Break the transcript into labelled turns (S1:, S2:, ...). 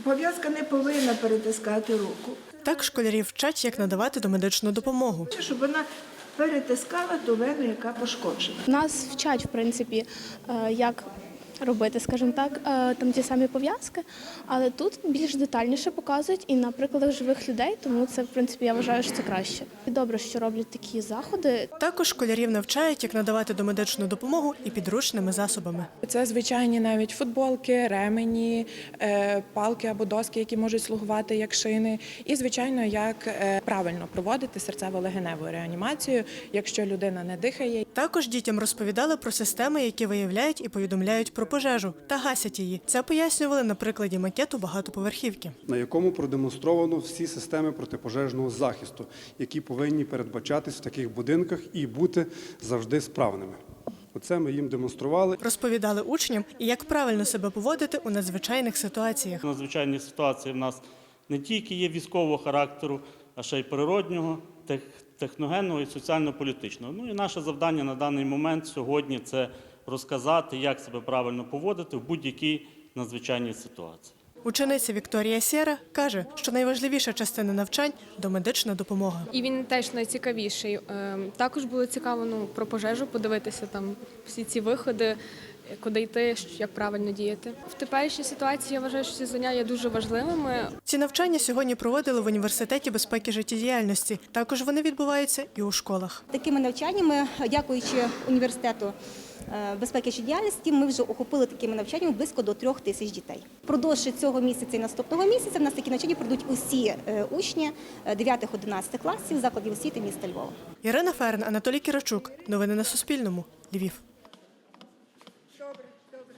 S1: Пов'язка не повинна перетискати руку.
S2: Так школярів вчать, як надавати домедичну допомогу.
S1: Щоб вона перетискала ту вену, яка пошкоджена.
S3: Нас вчать, в принципі, як робити, скажімо так, там ті самі пов'язки, але тут більш детальніше показують і на прикладах живих людей, тому це, в принципі, я вважаю, що це краще. І добре, що роблять такі заходи.
S2: Також школярів навчають, як надавати домедичну допомогу і підручними засобами.
S4: Це звичайні навіть футболки, ремені, палки або доски, які можуть слугувати як шини. І, звичайно, як правильно проводити серцево-легеневу реанімацію, якщо людина не дихає.
S2: Також дітям розповідали про системи, які виявляють і повідомляють про пожежу та гасять її. Це пояснювали на прикладі макету багатоповерхівки,
S5: на якому продемонстровано всі системи протипожежного захисту, які повинні передбачатись в таких будинках і бути завжди справними. Оце ми їм демонстрували.
S2: Розповідали учням, і як правильно себе поводити у надзвичайних ситуаціях.
S6: Надзвичайні ситуації в нас не тільки є військового характеру, а ще й природнього, техногенного і соціально-політичного. Ну і наше завдання на даний момент сьогодні – це розказати, як себе правильно поводити в будь-якій надзвичайній ситуації.
S2: Учениця Вікторія Сєра каже, що найважливіша частина навчань – домедична допомога.
S7: І він теж найцікавіший. Також було цікаво про пожежу подивитися, там всі ці виходи, куди йти, як правильно діяти. В теперішній ситуації я вважаю, що ці заняття є дуже важливими.
S2: Ці навчання сьогодні проводили в Університеті безпеки життєдіяльності. Також вони відбуваються і у школах.
S8: Такими навчаннями, дякуючи університету безпеки життєдіяльності, ми вже охопили такими навчаннями близько до 3000 дітей. Впродовж цього місяця і наступного місяця в нас такі навчання пройдуть усі учні 9-11 класів закладів освіти міста Львова.
S2: Ірина Ферн, Анатолій Кірачук. Новини на Суспільному. Львів.